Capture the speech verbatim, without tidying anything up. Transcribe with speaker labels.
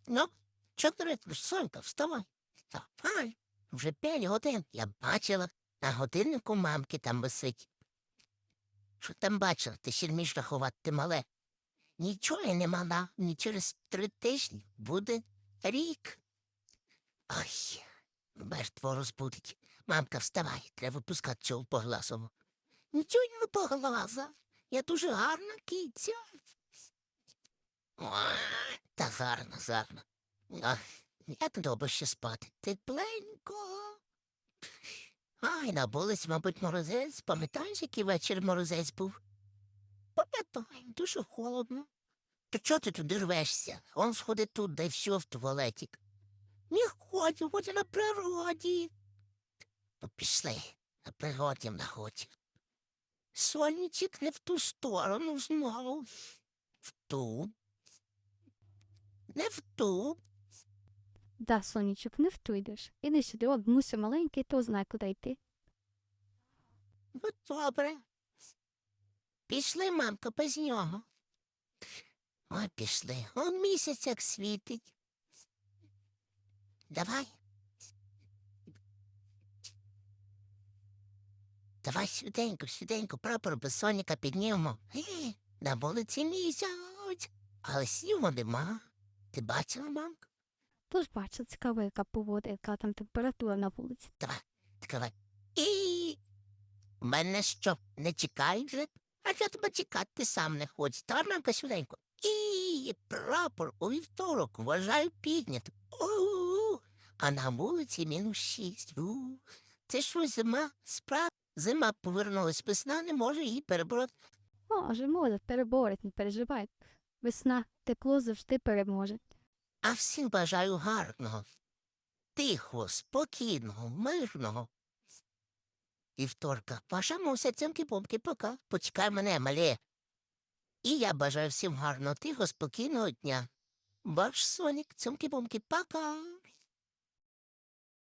Speaker 1: Ну, чотири, Сонька, вставай. Вставай. Вже п'ять годин. Я бачила. На годиннику мамки там висить. Що там бачила? Ти ще вмієш рахувати, ти мале. Нічого я не мала. Ні через три тижні буде рік. Ой, мертво розбудить. Мамка, вставай, треба випускати цього погласову. Нічого не поглаза. Я дуже гарна киця. Ой, та гарно, гарно. Ах, як добре ще спати. Тепленько. Ай, на вулиці, мабуть, морозець. Пам'ятаєш, який вечір морозець був? Пам'ятаю, дуже холодно. То чого ти туди рвешся? Он сходи тут, дай все в туалетик. Не хочу, хочу на природі. Ну, пішли, на природі находь. Сонечек не в ту сторону знову. В ту. Не в ту.
Speaker 2: Да, сонечок, не втуйдеш. Іди сюди, от Муся маленький, то знає, куди йти.
Speaker 1: Ну, добре. Пішли, мамка, без нього. Ой, пішли. Он місяць як світить. Давай. Давай сюденько, сюденько, прапор без соняка піднімемо. Ге, на вулиці місяць. Але снігу нема. Ти бачила, мамка?
Speaker 2: Тож бачу, цікаво, яка погода, яка там температура на вулиці.
Speaker 1: Давай, відкривай. І мене що, не чекають вже? А я тебе чекати ти сам не хочеш. Та мамка сюденько. І прапор у вівторок вважаю піднят. У-у-у. А на вулиці мінус шість. У. Це що зима? Справа. Зима повернулась, весна не може її перебороти.
Speaker 2: Може, може, переборить, не переживай. Весна, тепло завжди переможе.
Speaker 1: А всім бажаю гарного, тихого, спокійного, мирного. Вівторка, ваша муся, цьомки-помки, пока. Почекай мене, мале. І я бажаю всім гарного, тихого, спокійного дня. Ваш Сонік, цьомки-помки, пока.